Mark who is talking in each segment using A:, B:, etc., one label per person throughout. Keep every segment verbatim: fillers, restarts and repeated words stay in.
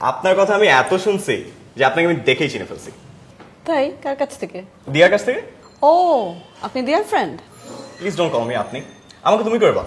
A: আপনার কথা আমি এত শুনছি যে আপনাকে আমি দেখেই চিনে ফেলছি।
B: তাই? কার কাছ থেকে?
A: দিয়ার কাছ থেকে।
B: ও, আপনি দিয়ার friend?
A: Please don't call me আপনি, আমাকে তুমি করে বল।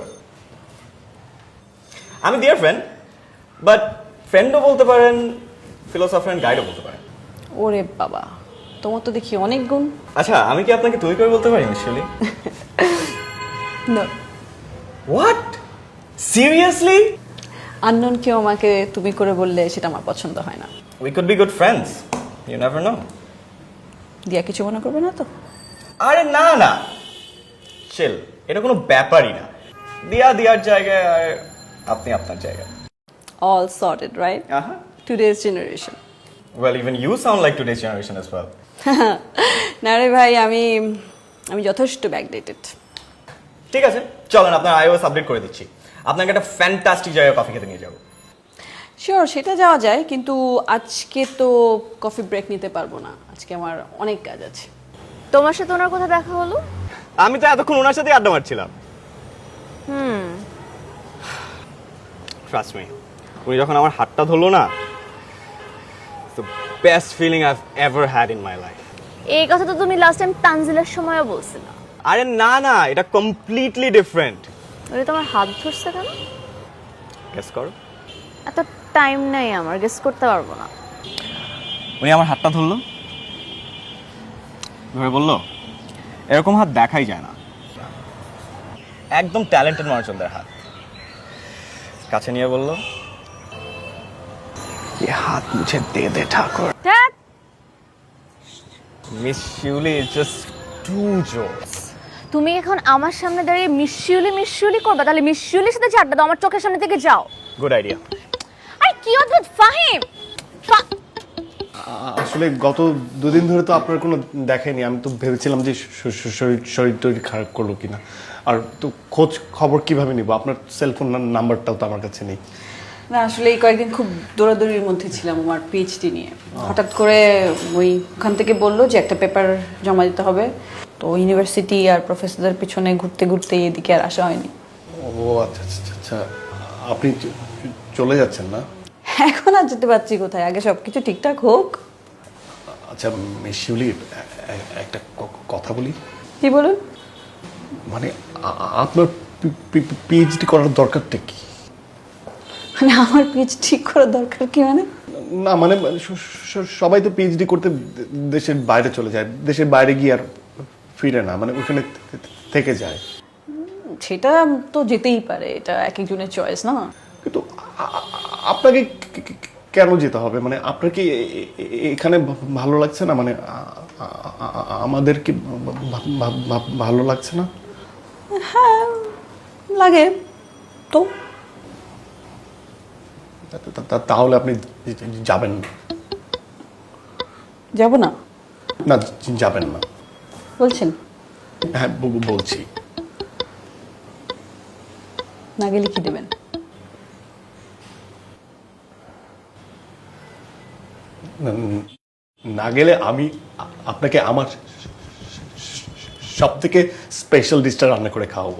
A: আমি দিয়ার ফ্রেন্ড, বাট ফ্রেন্ডও বলতে পারেন, ফিলোসফার এন্ড গাইডও বলতে পারেন।
B: ওরে বাবা, তোমার তো দেখি অনেক গুণ।
A: আচ্ছা, আমি কি আপনাকে তুমি করে বলতে পারি মিশালি?
B: না।
A: হোয়াট? সিরিয়াসলি?
B: আননোন কেউ আমাকে তুমি করে বললে সেটা আমার পছন্দ হয় না।
A: We could be good friends, you never know.
B: Diya কিছু মনে করবে না তো?
A: আরে না না, চিল, এটা কোনো ব্যাপারই না। দিয়া দিয়ার জায়গায় আর আপনি আপনার জায়গায়।
B: All sorted, right?
A: আহা,
B: today's generation.
A: well even you sound like today's generation as well.
B: না রে ভাই, আমি আমি যথেষ্ট ব্যাকডেটেড।
A: ঠিক আছে, চলেন আপনার আইওএস আপডেট করে দিচ্ছি। আপনাকে একটা ফ্যান্টাস্টিক জায়গায় কফি খেতে নিয়ে যাবো।
B: শিওর, সেটা যাওয়া যায়, কিন্তু আজকে তো কফি ব্রেক নিতে পারবো না, আজকে আমার অনেক কাজ আছে।
C: তোমার সাথে ওনার কথা দেখা হলো?
A: আমি তো এতক্ষণ ওনার সাথে আড্ডা মারছিলাম।
C: হুম।
A: ট্রাস্ট মি, উনি যখন আমার হাতটা ধরলো না, the best feeling I've ever had in my life.
C: এই কথা তো তুমি লাস্ট টাইম তানজিলের সময়ও বলছিলা।
A: আরে না না, এটা কমপ্লিটলি ডিফারেন্ট।
C: ওরে তোমার হাত ধরছে কেন?
A: গেস করো।
C: এত টাইম নাই আমার, গেস করতে পারবো না।
A: উনি আমার হাতটা ধরলো, ধরে বললো এরকম হাত দেখাই যায় না, একদম ট্যালেন্টেড মানুষদের হাত। কাছে নিয়ে বললো, ये हाथ मुझे दे दे ठाकुर।
C: ধ্যাৎ,
A: Miss Shuli is just too jokes.
C: তুমি এখন আমার সামনে দাঁড়িয়ে মিশিউলি মিশিউলি করবে, তাহলে মিশিউলির সাথে যে আড্ডা দাও, আমার চোখের সামনে থেকে যাও।
A: Good idea.
C: আরে কি অদ্ভুত ফাহিম। ফা-
D: আসলে গত দুদিন ধরে তো আপনার কোনো দেখায়নি, আমি তো ভেবেছিলাম যে শ- শ- শরীর শরীর টরীর খারাপ করলো কিনা, আর তো খোঁজ খবর কিভাবে নিব? আপনার সেলফোন নাম্বারটাও তো আমার কাছে নেই।
B: না, আসলে এই কয়েকদিন খুব দৌড়াদৌড়ির মধ্যে ছিলাম আমার পিএইচডি নিয়ে। হঠাৎ করে ওই ওখান থেকে বললো যে একটা পেপার জমা দিতে হবে, তো ইউনিভার্সিটি আর প্রফেসরদের পিছনে ঘুরতে ঘুরতে এদিকে আর আসা হয়নি।
D: ও আচ্ছা আচ্ছা আচ্ছা, আপনি চ- চলে যাচ্ছেন না?
B: এখন আর যেতে পারছি কোথায়, আগে সব কিছু ঠিকঠাক হোক।
D: আচ্ছা মিস শিউলি, এ- এ- একটা ক- কথা বলি।
B: কি বলুন?
D: মানে আ- আ- আপনার পিএইচডি করার দরকারটা কি?
B: মানে আমার পিএইচডি করার দরকার কি? মানে
D: না মানে স- স- সবাই তো পিএইচডি করতে দে- দেশের বাইরে চলে যায়, দেশের বাইরে গিয়ে আর ফিরে না, মানে ওখানে থে- থেকে যায়।
B: সেটা তো যেতেই পারে, এটা এক একজনের চয়েস না।
D: কিন্তু আ- আ- আপনাকে কে- কে- কেন যেতে হবে? মানে আপনার কি এ- এ- এখানে ভা- ভালো লাগছে না? মানে আ- আ- আ- আমাদের কি ভা- ভা- ভা- ভালো লাগছে না?
B: লাগে তো।
D: তা- তা- তা- তাহলে আপনি যাবেন না?
B: যাব না
D: না, যাবেন না।
B: বলছেন?
D: হ্যাঁ ব- বলছি।
B: না গেলে কি দেবেন?
D: না- না গেলে আমি আ- আপনাকে আমার সব থেকে স্পেশাল ডিশটা রান্না করে খাওয়াবো।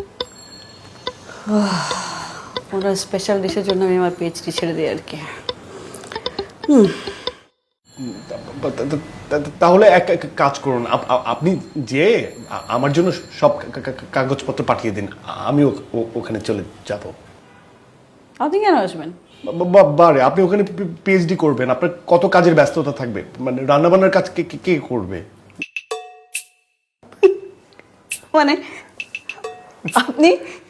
B: ওরা স্পেশাল ডিশের জন্য আমি আমার পিএইচডি ছেড়ে দিই আর কি।
D: তা- তা- তা- তাহলে এক এক কাজ করুন, আপ- আপ- আপনি যে আ- আমার জন্য সব কা- কা- কা- কাগজপত্র পাঠিয়ে দিন, আমি ও- ও- ওখানে চলে যাব।
B: আপনি কেন আসবেন?
D: বা- বা- বারে আপনি ওখানে পিএইচডি করবেন, আপনার কত কাজের ব্যস্ততা থাকবে, মানে রান্নাবান্নার কাজ কে কে- কে করবে?
B: মানে আপনি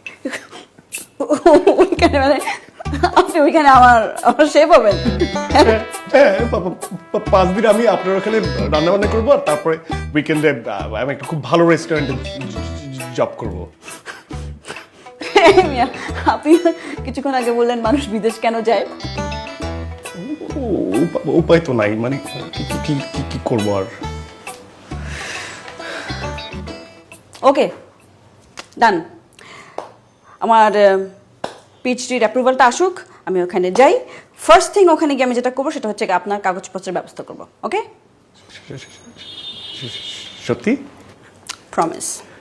B: ওইখানে, মানে আপনি ওইখানে আমার আমার শেফ হবেন?
D: হ্যাঁ, পা- পা- পা- পাঁচ দিন আমি আপনার ওখানে রান্না বান্না করবো, আর তারপরে উইকেন্ডে আমি একটা খুব ভালো রেস্টুরেন্টে জব করবো।
B: মিয়া, আপনি কিছুক্ষণ আগে বললেন মানুষ বিদেশ কেন যায়?
D: ও- উপ- উপায় তো নাই, মানে কি- কি- কি- কি- কি করবো আর।
B: ওকে, ডান। আমার পিএইচডির অ্যাপ্রুভালটা আসুক, আমি ওখানে যাই। ফার্স্ট থিং ওখানে গিয়ে আমি যেটা করবো সেটা হচ্ছে কি আপনার কাগজপত্রের ব্যবস্থা করবো। ওকে?
D: সত্যি?
B: প্রমিস।